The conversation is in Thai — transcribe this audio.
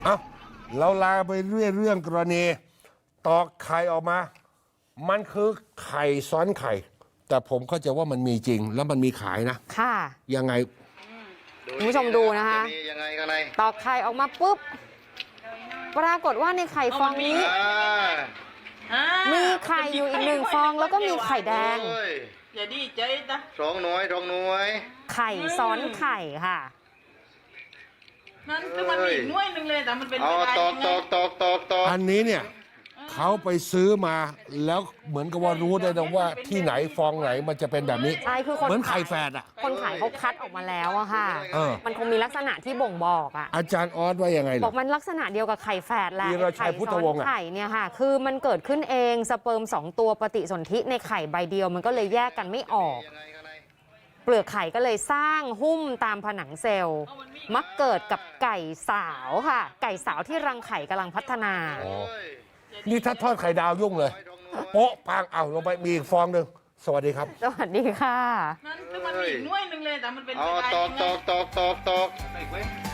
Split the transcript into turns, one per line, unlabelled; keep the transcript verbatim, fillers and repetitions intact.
เอ้าเราลาไปเรื่อยเรื่องกรณีตอกไข่ออกมา มันคือไข่ซ้อนไข่ แต่ผมเข้าใจว่ามันมีจริงแล้วมันมีขายนะ
ค่ะ
ยังไง
คุณผู้ชมดูนะคะ
ยังไงข้างใน
ตอกไข่ออกมาปุ๊บ ปรากฏว่าในไข่ฟองนี้
อ่า
มีไข่อยู่อีกหนึ่งฟองแล้วก็มีไข่แดง
โอ้ย
อย่าดีใจนะ
สองหน่วยสองหน่วย
ไข่ซ้อนไข่ค่ะ
นั่นคือมันมีอีกหน่วยหนึ่งเลยแต่มันเป็น
เอา
ไปได้
ตอก
ยังไง
ตอกตอกตอกตอก
อันนี้เนี่ยเขาไปซื้อมาแล้วเหมือนกับว่ารู้ได้นะว่าที่ไหนฟองไหนมันจะเป็นแบบนี้
ใช่คือคน
เหมือนไข่
ขาย
แฝดอ่ะ
คนขายเขาคัดออกมาแล้วอะค่ะ
เออ
มันคงมีลักษณะที่บ่งบอกอะ
อาจารย์ออสว่ายังไง
บ
ล่ะ
อกมันลักษณะเดียวกับไข่แฝดแหละ
วีรชัยพุทธวงศ์อะ
ไข่เนี่ยค่ะ คือมันเกิดขึ้นเองสเปิร์มสองตัวปฏิสนธิในไข่ใบเดียวมันก็เลยแยกกันไม่ออก
ยังไงข้างใน
เปลือกไข่ก็เลยสร้างหุ้มตามผนังเซลล์ มักเกิดกับไก่สาวค่ะ ไก่สาวที่รังไข่กำลังพัฒนา
อ๋อนี่ถ้าทอดไข่ดาวยุ่งเลย โป๊ะปังเอาลงไปมีอีกฟองหนึ่งสวัสดีครับ
สวัสดีค่ะ
นั่นคือมันมีอีกหน่วยหนึ่งเลยแต่มันเป็น
เอา
ไปได้
ตอ
ยั
ก
ง
ต
ไง
อกตอกตอกตอก